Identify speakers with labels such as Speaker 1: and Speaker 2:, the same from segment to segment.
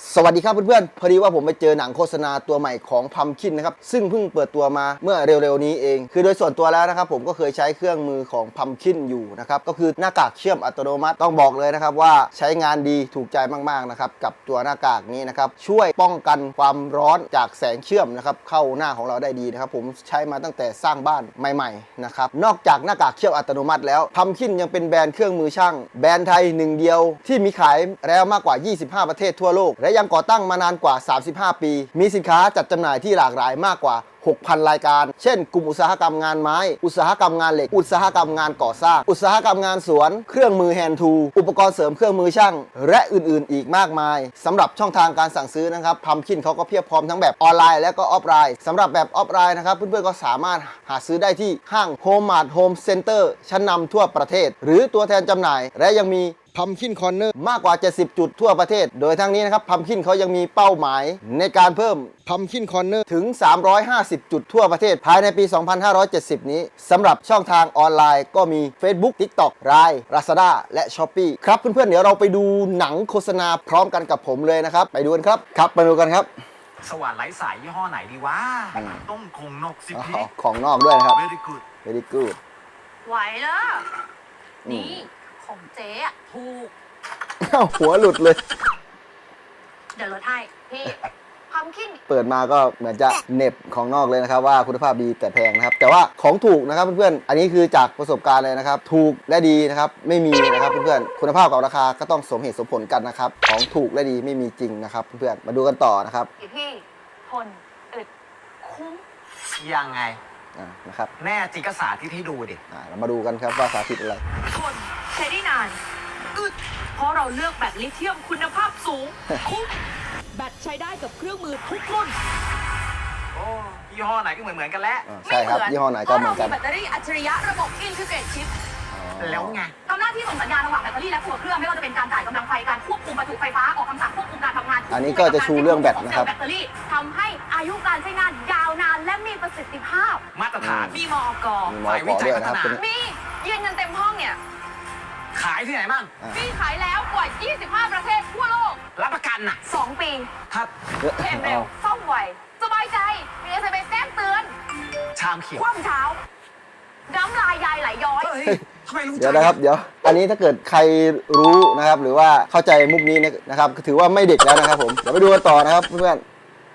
Speaker 1: สวัสดีครับเพื่อนๆพอดีว่าผมไปเจอหนังโฆษณาตัวใหม่ของพัมคินนะครับซึ่งเพิ่งเปิดตัวมาเมื่อเร็วๆนี้เองคือโดยส่วนตัวแล้วนะครับผมก็เคยใช้เครื่องมือของพัมคินอยู่นะครับก็คือหน้ากากเชื่อมอัตโนมัติต้องบอกเลยนะครับว่าใช้งานดีถูกใจมากๆนะครับกับตัวหน้ากากนี้นะครับช่วยป้องกันความร้อนจากแสงเชื่อมนะครับเข้าหน้าของเราได้ดีนะครับผมใช้มาตั้งแต่สร้างบ้านใหม่ๆนะครับนอกจากหน้ากากเชื่อมอัตโนมัติแล้วพัมคินยังเป็นแบรนด์เครื่องมือช่างแบรนด์ไทยหนึ่งเดียวที่มีขายแล้วมากกว่า25ประเทศทั่วโลกและยังก่อตั้งมานานกว่า35ปีมีสินค้าจัดจำหน่ายที่หลากหลายมากกว่า 6,000 รายการเช่นกลุ่มอุตสาหกรรมงานไม้อุตสาหกรรมงานเหล็กอุตสาหกรรมงานก่อสร้างอุตสาหกรรมงานสวนเครื่องมือแฮนด์ทูอุปกรณ์เสริมเครื่องมือช่างและอื่นๆอีกมากมายสำหรับช่องทางการสั่งซื้อนะครับพัมคินเขาก็เพียบพร้อมทั้งแบบออนไลน์และก็ออฟไลน์สำหรับแบบออฟไลน์นะครับเพื่อนๆก็สามารถหาซื้อได้ที่ห้างโฮมมาร์ทโฮมเซ็นเตอร์ชั้นนำทั่วประเทศหรือตัวแทนจำหน่ายและยังมีพัมคินคอร์เนอร์มากกว่า 70 จุดทั่วประเทศโดยทั้งนี้นะครับพัมคินเขายังมีเป้าหมายในการเพิ่มพัมคินคอร์เนอร์ถึง350 จุดทั่วประเทศภายในปี 2570 นี้สำหรับช่องทางออนไลน์ก็มี Facebook TikTok Line Lazada และ Shopee ครับเพื่อนๆเดี๋ยวเราไปดูหนังโฆษณาพร้อมกันกับผมเลยนะครับไปดูกันครับไปดูกันครับ
Speaker 2: สว่านไร้สายยี่ห้อไหนดีวะต้องคงนกสิพี่
Speaker 1: ของนอกด้วยนะครับ
Speaker 2: very good
Speaker 1: very good
Speaker 3: ไหวแล้วนี่ของเจ๊อะถูก
Speaker 1: หัวหลุดเลย
Speaker 3: เดี๋ยวลดให้พี่พัมคิน
Speaker 1: เปิดมาก็เหมือนจะเน็บของนอกเลยนะครับว่าคุณภาพดีแต่แพงนะครับแต่ว่าของถูกนะครับเพื่อนๆอันนี้คือจากประสบการณ์เลยนะครับถูกและดีนะครับไม่มีนะครับเพื่อนๆคุณภาพกับราคาก็ต้องสมเหตุสมผลกันนะครับของถูกและดีไม่มีจริงนะครับเพื่อนๆมาดูกันต่อนะครับ
Speaker 3: พี่ทนอึดคุ้ม
Speaker 2: ยังไง
Speaker 1: นะครับ
Speaker 2: แน่จริงก็สาธิตให้ดูดิ
Speaker 1: เรามาดูกันครับว่าสาธิตอะไร
Speaker 3: ทนใช้ได้นานอึดเพราะเราเลือกแบตลิเธียมคุณภาพสูงคุ้มแบตใช้ได้กับเครื่องมือทุกรุ่น
Speaker 2: โอ้ยี่ห้อไหนก็เหมือนกันแล้ว
Speaker 1: ใช่ครับยี่ห้อไหนก็เหมือนกัน
Speaker 3: แบตเตอรี่อัจฉริยะระบบอินทิเกรตชิป
Speaker 2: แล้วไง
Speaker 3: ทำหน้าที่ส่งสัญญาณระหว่างแบตเตอรี่และตัวเครื่องไม่ว่าจะเป็นการจ่ายกำลังไฟการควบคุมประจุไฟฟ้าออกคำสั่งควบคุมการทำงาน
Speaker 1: อันนี้ก็จะชูเรื่องแบตนะครับ
Speaker 3: แบตเตอรี่ทำให้อายุการใช้งานยาวนานและมีประสิทธิภาพ
Speaker 2: มาตรฐาน
Speaker 3: มีมอก
Speaker 1: ฝ่ายวิจัยพัฒนา
Speaker 3: มียืนเงินเต็มห้องเนี่ย
Speaker 2: ขายที่ไหนบ้าง
Speaker 3: มีขายแล้วกว่า25ประเทศทั่วโลก
Speaker 2: รับประกันน่ะ
Speaker 3: 2 ปี
Speaker 2: ครับ
Speaker 3: เทมเร็วซ่อมไวสบายใจมี SMS แจ้งเตือน
Speaker 2: ชามเขียว
Speaker 3: คว่ำเช้าน้ำลายยายไหลย้อย
Speaker 1: เดี๋ยวนะครับเดี๋ยวอันนี้ถ้าเกิดใครรู้นะครับหรือว่าเข้าใจมุกนี้นะครับถือว่าไม่เด็กแล้วนะครับผมเดี๋ยวไปดูกันต่อนะครับเพื่อน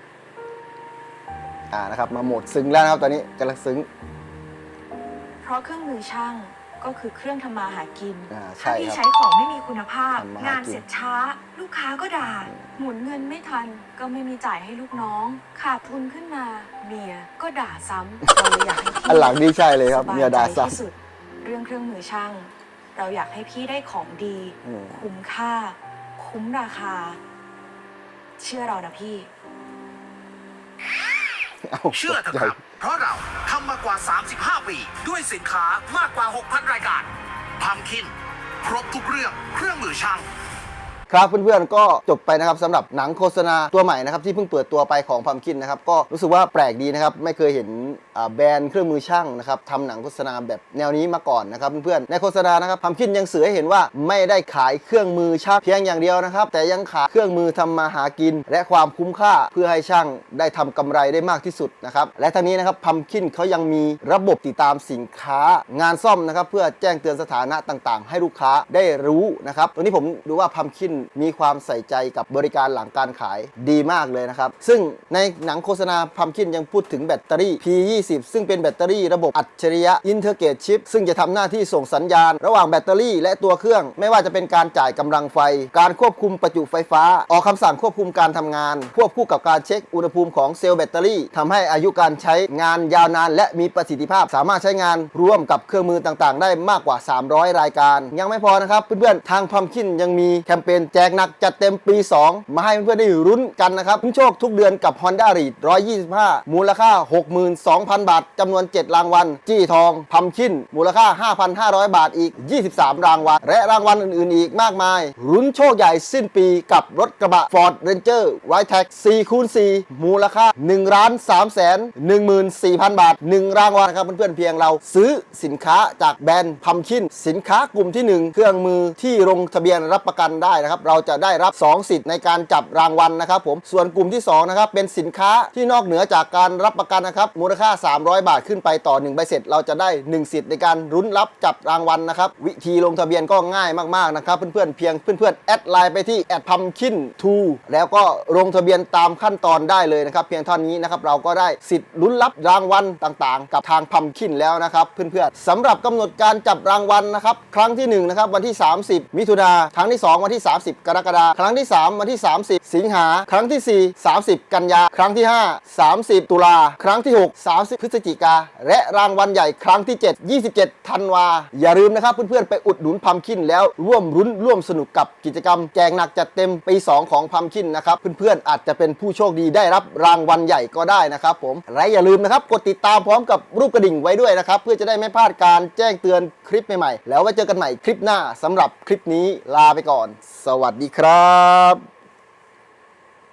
Speaker 1: นะครับมาโหมดซึ้งแล้วนะครับตอนนี้กำลังซึ้ง
Speaker 3: เพราะเครื่องมือช่างก็คือเครื่องทำมาหากิน
Speaker 1: ถ้า
Speaker 3: ที่ใช้ของไม่มีคุณภาพงานเสร็จช้าลูกค้าก็ด่าหมุนเงินไม่ทันก็ไม่มีจ่ายให้ลูกน้องขาดทุนขึ้นมาเมียก็ด่าซ้ำเราเลยอยากให้พี่
Speaker 1: อันหลังนี่ใช่เลยครับเมียด่าซ้
Speaker 3: ำเรื่องเครื่องมือช่างเราอยากให้พี่ได้ของดีคุ้มค่าคุ้มราคาเชื่อเรานะพี่
Speaker 2: เชื่อเถอะครับเพราะเราทำมากว่า35ปีด้วยสินค้ามากกว่า 6,000 รายการพัมคินครบทุกเรื่องเครื่องมือช่าง
Speaker 1: ครับเพื่อนๆก็จบไปนะครับสำหรับหนังโฆษณาตัวใหม่นะครับที่เพิ่งเปิดตัวไปของพัมคินนะครับก็รู้สึกว่าแปลกดีนะครับไม่เคยเห็นแบรนด์เครื่องมือช่างนะครับทำหนังโฆษณาแบบแนวนี้มาก่อนนะครับเพื่อนๆในโฆษณานะครับพัมคินยังสื่อให้เห็นว่าไม่ได้ขายเครื่องมือช่างเพียงอย่างเดียวนะครับแต่ยังขายเครื่องมือทำมาหากินและความคุ้มค่าเพื่อให้ช่างได้ทำกำไรได้มากที่สุดนะครับและทั้งนี้นะครับพัมคินเขายังมีระบบติดตามสินค้างานซ่อมนะครับเพื่อแจ้งเตือนสถานะต่างๆให้ลูกค้าได้รู้นะครับตรงนี้ผมดูว่าพัมคินมีความใส่ใจกับบริการหลังการขายดีมากเลยนะครับซึ่งในหนังโฆษณาพัมคินยังพูดถึงแบตเตอรี่ P20 ซึ่งเป็นแบตเตอรี่ระบบอัจฉริยะอินเทอร์เกตชิปซึ่งจะทำหน้าที่ส่งสัญญาณระหว่างแบตเตอรี่และตัวเครื่องไม่ว่าจะเป็นการจ่ายกำลังไฟการควบคุมประจุไฟฟ้าออกคำสั่งควบคุมการทำงานควบคู่กับการเช็คอุณหภูมิของเซลล์แบตเตอรี่ทำให้อายุการใช้งานยาวนานและมีประสิทธิภาพสามารถใช้งานร่วมกับเครื่องมือต่างๆได้มากกว่า300รายการยังไม่พอนะครับเพื่อนๆทางพัมคินยังมีแคมเปญแจกหนักจัดเต็มปี2มาให้เพื่อนๆได้รุ้นกันนะครับลุ้นโชคทุกเดือนกับ Honda Read 125มูลค่า 62,000 บาทจำนวน7รางวัลจี้ทองพัมคินมูลค่า 5,500 บาทอีก23รางวัลและรางวัลอื่นๆอีกมากมายรุ้นโชคใหญ่สิ้นปีกับรถกระบะ Ford Ranger Wildtrak 4x4 มูลค่า 1,314,000 บาท1รางวัลครับเพื่อนๆเพียงเราซื้อสินค้าจากแบรนด์พัมคินสินค้ากลุ่มที่1เครื่องมือที่ลงทะเบียนรับประกันได้นะครับนะครับเราจะได้รับ2สิทธิ์ในการจับรางวัลนะครับผมส่วนกลุ่มที่2นะครับเป็นสินค้าที่นอกเหนือจากการรับประกันนะครับมูลค่า300 บาทขึ้นไปต่อ1ใบเสร็จเราจะได้1สิทธิ์ในการลุ้นรับจับรางวัลนะครับวิธีลงทะเบียนก็ง่ายมากๆนะครับเพื่อนๆเพียงเพื่อนๆแอดไลน์ไปที่@pumpkin2แล้วก็ลงทะเบียนตามขั้นตอนได้เลยนะครับเพียงเท่านี้นะครับเราก็ได้สิทธิ์ลุ้นรับรางวัลต่างๆกับทางพัมคินแล้วนะครับเพื่อนๆสำหรับกำหนดการจับรางวัลนะครับครั้งที่1นะครับวันที่30มิถุนาครั้งที่2วันที่30กรกฎาคมครั้งที่3วันที่30สิงหาครั้งที่4 30กันยาครั้งที่5 30ตุลาครั้งที่6 30พฤศจิกาและรางวัลใหญ่ครั้งที่7 27ธันวาอย่าลืมนะครับเพื่อนๆไปอุดหนุนพัมคินแล้วร่วมรุ้นร่วมสนุกกับกิจกรรมแจกหนักจัดเต็มปี2ของพัมคินนะครับเพื่อนๆอาจจะเป็นผู้โชคดีได้รับรางวัลใหญ่ก็ได้นะครับผมและอย่าลืมนะครับกดติดตามพร้อมกับรูปกระดิ่งไว้ด้วยนะครับเพื่อจะได้ไม่พลาดการแจ้งเตือนคลิปใหม่ๆแล้วไว้เจอกันใหม่คลิปหน้าสำหรับคลิปนี้ลาไปก่อนสวัสดีครับ